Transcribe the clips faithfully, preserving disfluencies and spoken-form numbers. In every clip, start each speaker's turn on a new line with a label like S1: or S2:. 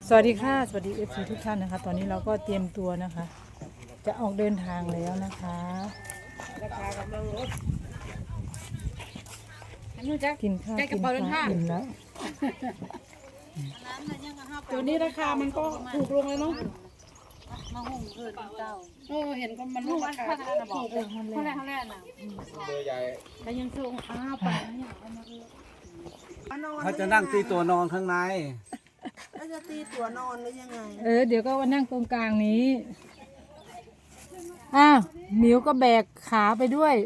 S1: สวัสดีค่ะสวัสดีเอฟซีทุกท่านนะคะตอนนี้เราก็เตรียมตัวนะคะ จะออกเดินทางแล้วนะคะกินข้าวกินข้าวอิ่มแล้ว
S2: ตัวนี้ราคามันก็ถูกลงเลยเนาะ
S3: มาหุ่งเกินเจ้า
S2: เออเห็นก็มันลงราคาถูกเลย
S3: เท่าไรเท่าไรน่ะ
S4: เบอร์ใหญ่
S3: แต่ยังส่งอ้าวไปนะอยากเอามาเออ
S4: เขาจะนั่งตีตัวนอนข้างใน
S5: แล้วจะตีตัวนอนหรือยังไง
S1: เออเดี๋ยวก็มานั่งตรงกลางนี้อ้าวหมิวก็แบกขาไปด้วย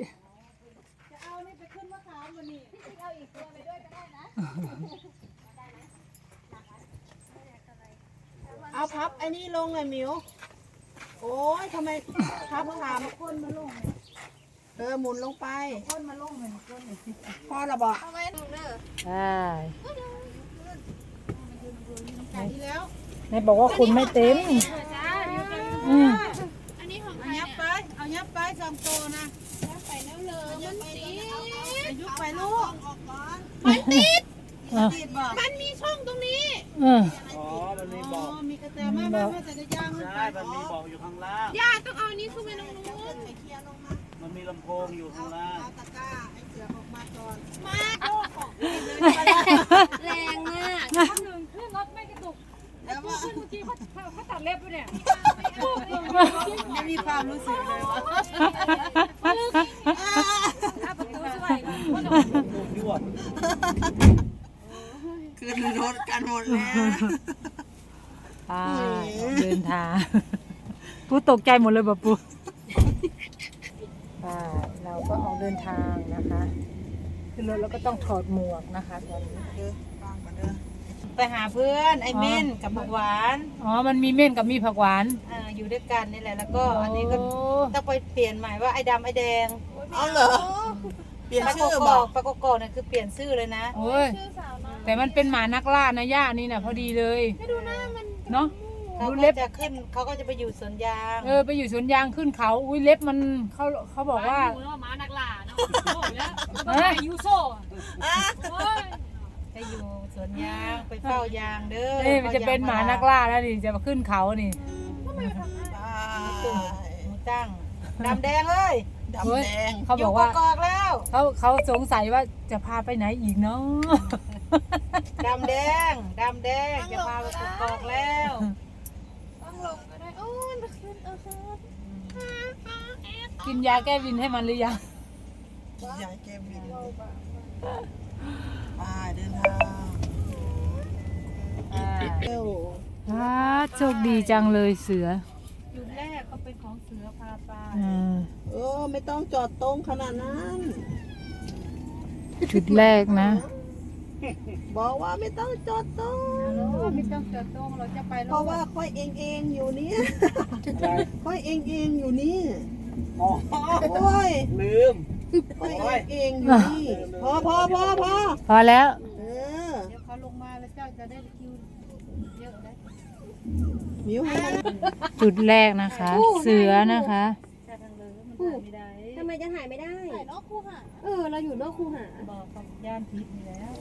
S5: เอาพับไอ้นี่ลงเลยมิวโอ้ยทำไมพับขามคนมาลงเออหมุนลงไปคนมาลงเหมือนคนพอระบอก
S1: ใช่
S5: แล้ว
S1: แม่บอกว่าคุณไม่เต็มอืม
S5: เอายับไปเอายับไปสองตัวนะยับไปแล้วเลยมันติดยุบไปลูกมันติด
S1: อ่ะ
S5: ติดบอกมันมีช่องตรงนี้
S1: เออ
S4: อ๋อ มันมี
S5: อ๋
S4: บ
S5: อ
S4: อก
S5: มีกระแตมามามาจะจะย่างมันไป
S4: ใช่ มันมีบอกอยู่ข้างล่าง
S5: ย่าต้องเอานี้ขึ้นไปตรงนู้นเคลียร์ลงมา
S4: มันมีลำโพงอยู่ข้างล่าง
S5: เอาตะกร้าไอ้เสือออกมาก่อนมา
S3: แรงมาก
S2: หนึ่งขึ้นรถไม่กระตุก
S5: แล้วว่า
S2: เมื่อกี้เขาเขาตัดเล็บด้วยเนี่ย
S5: ไม่มีความรู้สึกเลยวะ
S2: ถ้าประตูช่วย
S4: ยวด
S5: ขึ้นรถกันหมดแล้ว
S1: ไปเดินทางปูตกใจหมดเลยบ่ปูไปเราก็ออกเดินทางนะคะขึ้นรถแล้วก็ต้องถอดหมวกนะคะตอนนี้
S5: ไปหาเพื่อนไอ้เม่นกับผักหวาน
S1: อ๋อมันมีเม่นกับมีผักหวาน
S5: อ่าอยู่ด้วยกันนี่แหละแล้วก็อันนี้ก็
S1: โ
S5: ต้องไปเปลี่ยนใหม่ว่าไอ้ดำไอ้แดง
S6: เอาเหรอ เปลี่ยน
S5: ปลา
S6: ชื่อ
S5: โก
S6: บ
S5: อ
S6: อก
S5: กปลาโกกอกเนี่ยคือเปลี่ยนชื่อเลยนะ
S1: โอ้ยแต่มันเป็นหมานักล่านะย่านี่นะพอดีเลยไม่ดูหน้ามันเนาะ
S5: เขา
S1: ดู
S5: ก็
S1: เล็บ
S5: จะขึ้นเขาก็จะไปอยู่สวนยาง
S1: เออไปอยู่สวนยางขึ้นเขาอุ้ยเล็บมันเขาเขาบอกว่า
S2: หนูมานักล่าเนาะโอ้ยแล้วมายูโซ่โอ้ย
S5: ไปอยู่สวนยางไปเฝ้ายางเด้อ
S1: เอ้ยมันจะเป็นหมานักล่าแล้วนี่จะมาขึ้นเขานี่
S5: หมูตั้งดำแดงเลย
S6: ดำแดง
S1: เขาบอกว่า
S5: ยู่กอกๆแล้ว
S1: เขาเขาสงสัยว่าจะพาไปไหนอีกเนาะ
S5: ดำแดงดำแดงจะพาไปกกอกแล้ว
S1: กินยาแก้วินให้มันหรือยัง
S6: ยายแกวินไปเดินทางเร็ว
S1: อ่าโชคดีจังเลยเสือ
S5: จุดแรกก็เป็นของเสือพาไป
S1: อ่า
S6: เออไม่ต้องจอดตรงขนาดนั้น
S1: จุดแรกนะ
S6: บอกว่าไม่ต้องจอดตรง
S5: ไม่ต้องจอดตรงเราจะไป
S6: เพราะว่าค่อยเองเองอยู่นี่ค่อยเองเองอยู่นี่
S4: อ๋อ
S6: โอ้ย
S4: ลืม
S6: ค่อยเองเองอยู่นี่พอพอพอพอ
S1: พอแล้ว
S6: เออ
S5: เดี๋ยวเขาลงมาแล้วเจ้าจะได้คิวเยอะได้
S6: มิวให้มัน
S1: จุดแรกนะคะ เสือนะคะ
S5: จะทางเลยมันถ่ายไม่ได้
S3: ทำไมจะถ่ายไม่ได้ถ่ายนอกคูหาเออเราอยู่นอกคูหา
S5: บอกกับย่านพิษนี่แล้ว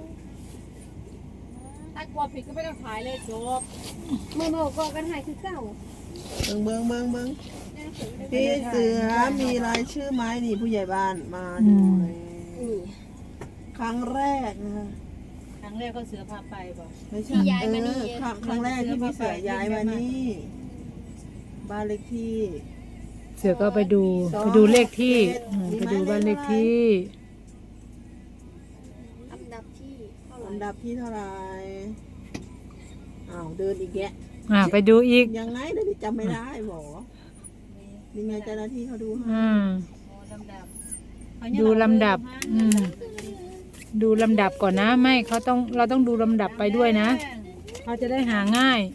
S2: ถ้ากลัวผิดก็ไม่ต้องถ่ายเลยจบ
S3: เมื่อบอกก็กันถ่ายคือเก่า
S6: เบิงเบิงเบิงเบิงพี่เสือมีรายชื่อไหมนี่ผู้ใหญ่บ้านมาดูเลยครั้งแรกนะคะ
S5: ครั้งแรกก็เสือพาไปบอก
S6: ไม่ใช่เออครั้งครั้งแรกที่พี่เสือย้ายมานี่บ้านเลขที่
S1: เสือก็ไปดูไปดูเลขที่อืมไปดูบ้านเลขที่
S3: อันดับที่เท่าไหร่
S6: อันดับที่เท่าไหร่อ้าวเดินอีกแกะ
S1: อ่าไปดูอีก
S6: ยังไงเดี๋ยวนี้จำไม่ได้บอกนี่ไงเจ้าหน้าที่เขาดูให้
S1: อืม
S5: โอ้ลำดับ
S1: ดูลำดับ อืม ดูลำดับก่อนนะ ไม่เขาต้องเราต้องดูลำดับไปด้วยนะ เขาจะได้หาง่าย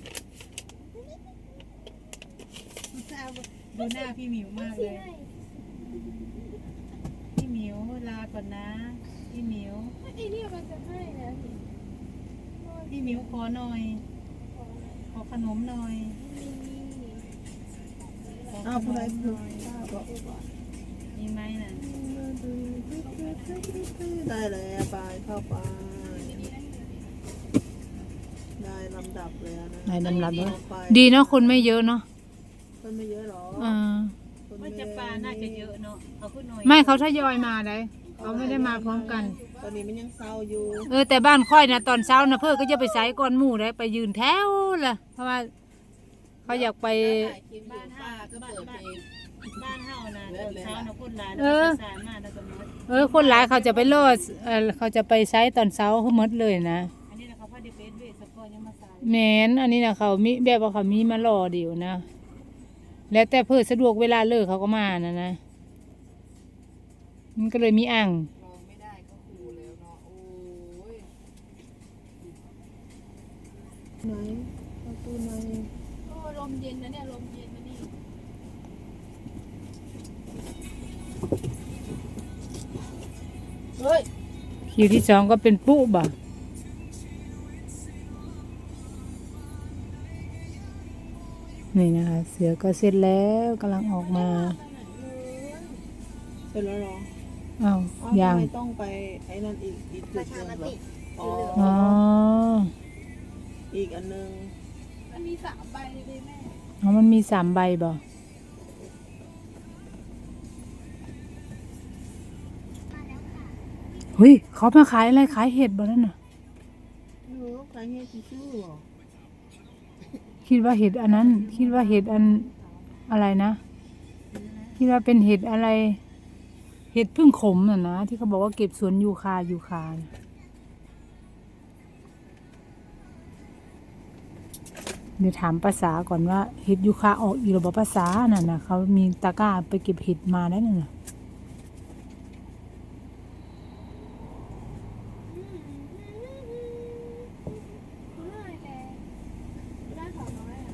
S5: ดูหน้าพี่หมิวมากเลย พี่หมิวลาก่อนนะ พี่หมิว
S3: ไอ้เนี่ยมันจะให้นะ
S5: พี่หมิวขอหน่อย ขอขนมหน่อยขอข
S6: อ้าวน ผู้ใด
S5: มห
S6: ผู้
S5: น่อย
S6: ทราบบอก
S5: มีไหมน่ะ
S6: ได้แล้วไปเข้าไปได้รลำดับเลยนะ
S1: ในลำดับเลย
S6: ต่อไป
S1: ดีเนาะคนไม่เยอะเนาะ
S6: คนไม่เยอะหรอ
S1: อ่า
S6: คน
S2: ว่าจะปลาน่าจะเยอะเนาะเขาขึ้นหน่อย
S1: ไม่เขาทยอยมาเลยเขาไม่ได้มาพร้อมกัน
S6: ตอนนี้มันยังเศร้าอยู่
S1: เออแต่บ้านค่อยนะตอนเช้านะเพื่อก็จะไปใส่ก้อนหมูได้ไปยืนแถวล่ะเพราะว่าเขาอยากไป
S2: บ้านเฮาก็เปิดเพลงบ้านเฮานะตอนเช้านะคนหลาย
S1: เออ
S2: สายมากแล้วก็มด
S1: เออคนหลายเขาจะไปโลดเออเขาจะไปใช้ตอนเช้าเขาหมดเลยนะ
S2: อันนี้นะเขาพาดิเฟสเวสปอร์ยังมาสาย
S1: แมนอันนี้นะเขามีแบบว่าเขามีมารอเดียวนะ แล้วแต่เพื่อสะดวกเวลาเลิกเขาก็มานะนะมันก็เลยมีอ่าง
S6: ลองไม่ได้ก็คูแล้วเนาะโอ้ยไหนประตูไหน
S3: โอ้ลมเย็นนะเนี่ยลมเย็นนะนี่
S6: เฮ้ย
S1: คิวที่สองก็เป็นปุ๊บ่ะนี่นะคะ เสือก็เสร็จแล้วกำลังออกมา
S6: เสร็จแล้วเหรอ
S1: อ้าว
S6: อ้าว
S1: ยั
S6: ทำ
S1: ง
S6: ไมต้องไปไอ้นั่นอีกอีกจุดหนึงเหรออ๋อ
S1: อ๋อ
S6: อีกอันนึง
S3: มันมีสามใบเลยแม่
S1: อ๋อมันมีสามใบบ่เฮ้ยเขามาขายอะไรขายเห็ดบ่นั่นน่ะ
S6: หนูใครให้ทิชชู่เหรอ
S1: คิดว่าเห็ดอันนั้น คิดว่าเห็ดอันอะไรนะ คิดว่าเป็นเห็ดอะไร เห็ดพึ่งขมน่ะนะที่เขาบอกว่าเก็บสวนยูคายูคาน่ะเดี๋ยวถามภาษาก่อนว่าเห็ดยูคาออกอีหรือบ่ภาษาน่ะนะเขามีตะกร้าไปเก็บเห็ดมาได้น่ะนะ
S3: ง่ายแต่ได้ของน้อยอ่ะ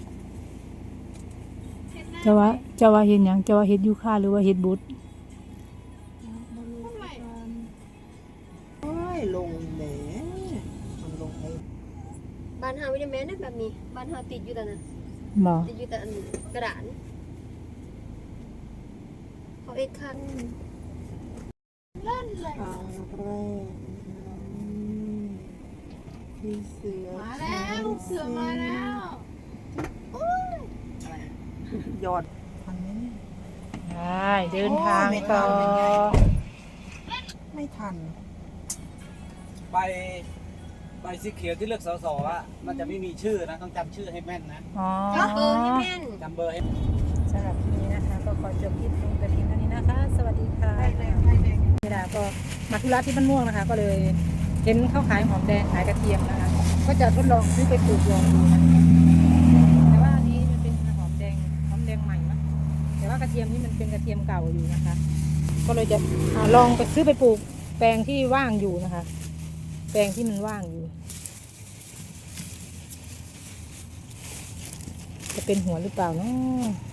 S3: เช็ดหน้า
S1: จะว่าจะว่าเห็ดหยังจะว่าเห็ดยูคาหรือว่าเห็ดบุตร
S3: ทำไม
S6: โอ้ยลงแหมมันลงไป
S7: บ้านเฮาไม่ได้แม่นแบบนี้บ้านเฮาติดอยู่แต่นั้น
S1: บ่
S7: ติดอยู่แต่อันกระดานเขาเอ็ดคัน
S3: เล่นเลย
S6: ครั้งแรกอืมที่เสือ
S3: มาแล้วลูกเสือมาแล้ว
S6: ยอดทันไหมเนี่ย
S1: ใช่เดินทางต่อ
S6: ไม่ทัน
S4: ใบใบสีเขียวที่เลือกสสอ่ะมันจะไม่มีชื่อนะต้องจำชื่อให้แม่นนะ
S1: อ๋อ
S7: จับเบอร์ให้แม่น
S4: จำเบอร์ให้
S1: สำหรับคลิปนี้นะคะ ก็ขอจบคลิปลงแต่เพียงเท่านี้นะคะ สวัสดีค่ะเวลาก็มาธุระที่บ้านม่วงนะคะ ก็เลยเห็นเขาขายหอมแดงขายกระเทียมนะคะ ก็จะทดลองซื้อไปปลูกลองดูนะแต่ว่าอันนี้มันเป็นหอมแดงหอมแดงใหม่มั้งแต่ว่ากระเทียมนี่มันเป็นกระเทียมเก่าอยู่นะคะ ก็เลยจะอ่าลองไปซื้อไปปลูกแปลงที่ว่างอยู่นะคะ แปลงที่มันว่างอยู่ จะเป็นหัวหรือเปล่าเนาะ